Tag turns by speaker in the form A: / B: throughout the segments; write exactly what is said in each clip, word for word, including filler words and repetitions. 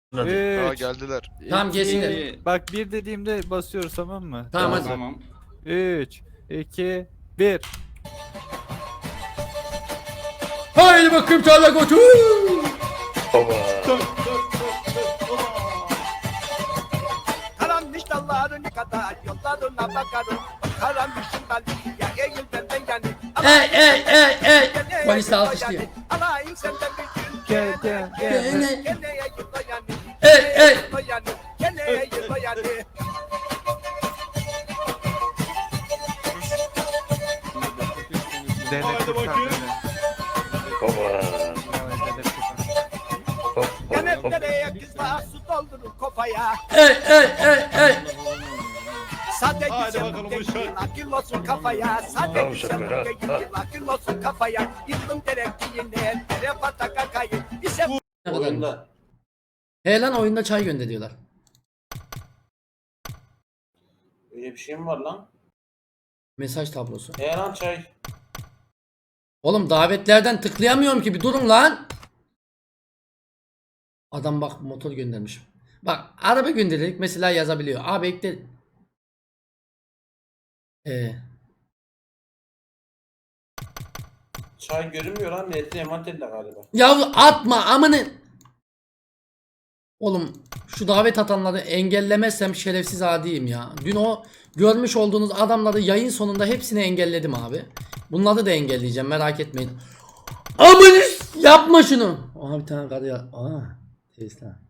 A: Aa
B: Üç,
A: geldiler.
C: Tamam, gelsinler.
B: iki, bak bir dediğimde basıyoruz, tamam mı?
C: Tamam hadi.
D: Tamam.
B: üç, iki, bir.
C: Haydi bakayım tarla koçu.
E: Karanmış dalların kadar yollarına bakarım. Karanmışın dalıyla eğil benden yani.
C: Ey ey ey ey. Polis de alkışlıyor.
E: Alayım senden bir gün.
B: Gel gel gel.
C: Ey
E: Keneye yıla yani.
C: ey ey.
E: Yıla yani. Keneye yıla yani.
B: Haydi bakayım.
E: Yanetlereye kızla su doldurur kafaya.
C: Ey ey ey ey.
E: Sade
D: Haydi
E: güzel
D: bakalım
E: değil,
D: uşak.
E: akıl olsun kafaya. Sade
F: Tamam
E: güzel
F: uşak, ha,
E: değil,
F: ha.
E: akıl olsun kafaya. Yıktım gerektiğine, tere pataka kayın. Bize
C: Ne kadar? He lan, oyunda çay gönder diyorlar.
G: Öyle bir şey mi var lan?
C: Mesaj tablosu.
G: E lan çay.
C: Oğlum davetlerden tıklayamıyorum ki, bir durun lan. Adam bak motor göndermiş. Bak araba gönderdik mesela, yazabiliyor. Abi ekle. Ee,
G: Çay görünmüyor lan. Netli emanetli galiba.
C: ya atma amanın. Oğlum şu davet atanları engellemezsem şerefsiz adiyim ya. Dün o görmüş olduğunuz adamları yayın sonunda hepsini engelledim abi. Bunları da engelleyeceğim, merak etmeyin. Aman yapma şunu. Aha bir tane karı ya. Aa Tesla.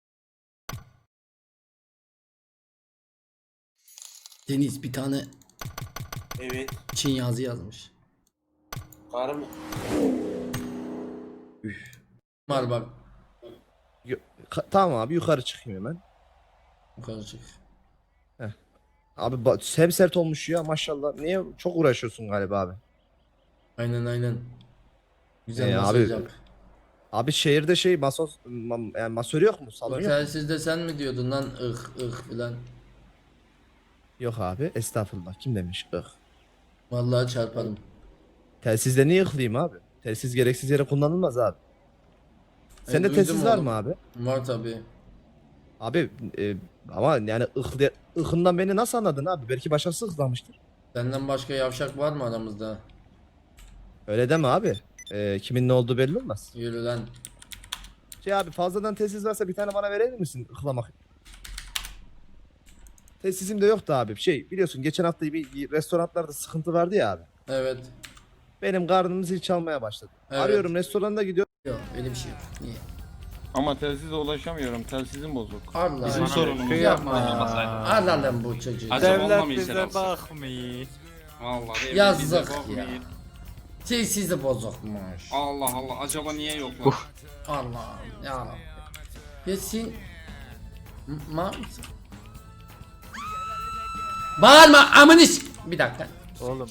C: Deniz bir tane
G: Evet.
C: Çin yazı yazmış.
G: Karı mı?
C: Üf. Var bak.
F: Ka- Tamam abi, yukarı çıkayım hemen.
C: Yukarı çık.
F: Abi ba- hem sert olmuş ya maşallah. Niye çok uğraşıyorsun galiba abi?
C: Aynen aynen. Güzel
F: Ee,
C: masaj
F: abi,
C: yap.
F: Abi şehirde şey masos ma- yani masör yok mu? Salon yok mu?
C: Otelsizde sen mi diyordun lan ıh ıh filan.
F: Yok abi, estağfurullah, kim demiş ıh.
C: Vallahi çarparım.
F: Telsizde niye ıhlayayım abi? Telsiz gereksiz yere kullanılmaz abi. Sende
C: duydum
F: telsiz var
C: oğlum.
F: mı abi?
C: Var tabi.
F: Abi e, ama yani ıh, ıhından beni nasıl anladın abi? Belki başkası ıhlamıştır.
C: Senden başka yavşak var mı aramızda?
F: Öyle deme abi. E, kimin ne olduğu belli olmaz.
C: Yürü lan.
F: Şey abi, fazladan telsiz varsa bir tane bana verir misin ıhlamak? Telsizim de yoktu abi. Şey biliyorsun, geçen hafta bir, bir restoranlarda sıkıntı vardı ya abi.
C: Evet.
F: Benim karnım zil çalmaya başladı.
C: Evet.
F: Arıyorum, restoranda gidiyorum.
C: Yok öyle bir şey yok. Niye?
D: Ama telsize ulaşamıyorum. Telsizim bozuk.
C: Allah.
D: Bizim sorunumuz.
C: Yapma.
B: Kıyama.
C: Allah lan bu çocuğu.
D: Acaba
B: Devlet
D: onunla mı işler
B: bize
D: alsak?
B: bakmıyor.
D: Vallahi devlet
C: Yazık
D: bize bakmıyor.
C: ya. Telsiz de bozukmuş.
D: Allah Allah, acaba niye yok lan?
C: Allah ya. Yesin. Ma Bağırma amınış. Bir dakika.
B: Oğlum.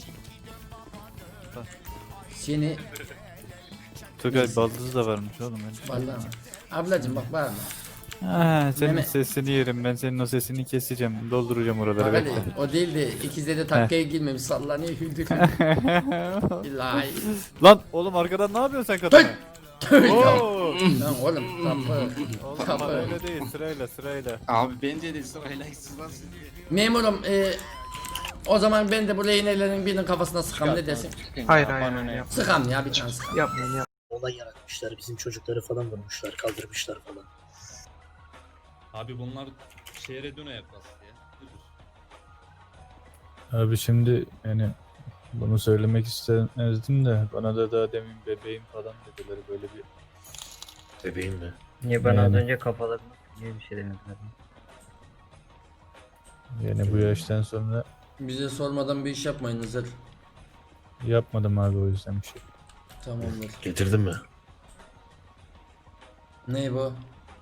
C: Seni
B: Tugay baldız da varmış oğlum.
C: vallahi. Ablacım bak bağırma.
B: Ha, senin
C: Meme-
B: sesini yerim, ben senin o sesini keseceğim. Dolduracağım oraları,
C: Bak
B: bekle.
C: hadi, o değil de ikizde de takkaya girmemiş, sallanıyor hüldür. İlahi.
B: Lan oğlum, arkadan ne yapıyorsun sen kadına?
C: Tövbe.
B: Oo.
C: Lan oğlum kapı.
B: Oğlum bak,
C: Kapı.
B: öyle değil, sırayla sırayla.
D: Abi bence de sırayla hırsızlar sizi.
C: Memurum e, o zaman ben de bu rehinelerin birinin kafasına sıkam, ne dersin?
D: Hayır hayır.
C: Sıkam ya, bir tane sıkam.
H: Olay yaratmışlar. Bizim çocukları falan vurmuşlar, kaldırmışlar falan.
I: Abi bunlar şehre döne yaklaştı ya.
B: Abi şimdi yani bunu söylemek istemezdim de bana da daha demin bebeğim falan dediler, böyle bir.
F: Bebeğim mi?
H: Niye
B: bana az
H: önce kafalarına niye bir şey demediler?
B: Yani bu yaştan sonra
C: Bize sormadan bir iş yapmayın Hızır.
B: yapmadım abi, o yüzden bir şey.
C: Tamamdır.
F: Getirdin mi?
C: Ne bu?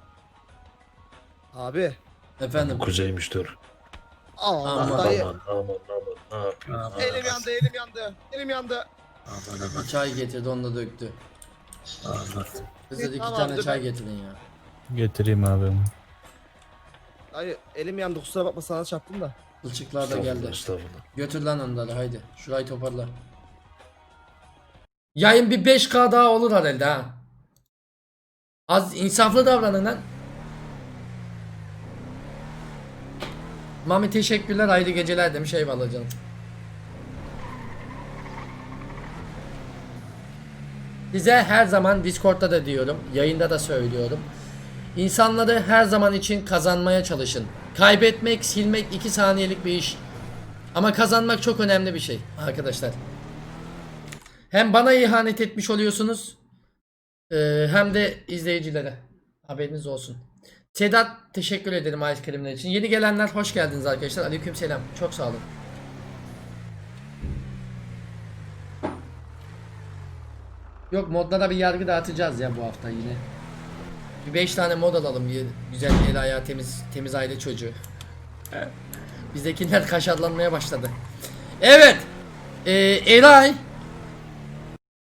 F: Abi.
C: Efendim.
F: Kuzeymiş, dur.
C: Aman.
F: Allah dayı.
H: Aman aman ne yapıyorsun?
F: Elim yandı, elim yandı. Elim yandı.
H: Aman aman
C: Çay getirdi, onu da döktü.
H: aman.
C: Hızır iki
F: Tamam,
C: tane
F: dur
C: çay
F: ben-
C: getirin ya.
B: Getireyim abi onu.
F: Dayı elim yandı, kusura bakma, sana çarptım da.
C: Kılçıklar da geldi.
F: Estağfurullah.
C: Götür lan onları, haydi. Şurayı toparla. Yayın bir beş K daha olur herhalde ha. Az insaflı davranın lan. Mami teşekkürler, hayırlı geceler demiş, eyvallah canım. Size her zaman Discord'da da diyorum, yayında da söylüyorum. İnsanları her zaman için kazanmaya çalışın. Kaybetmek, silmek iki saniyelik bir iş. Ama kazanmak çok önemli bir şey arkadaşlar. Hem bana ihanet etmiş oluyorsunuz, e, hem de izleyicilere. Haberiniz olsun. Sedat teşekkür ederim ice creamler için. Yeni gelenler hoş geldiniz arkadaşlar. Aleykümselam. Çok sağ olun. Yok, modlara bir yargı dağıtacağız ya bu hafta yine. Bir beş tane mod alalım, bir güzel el ayağı temiz temiz aile çocuğu. Bizdekiler kaşarlanmaya başladı. Evet. Ee, Eray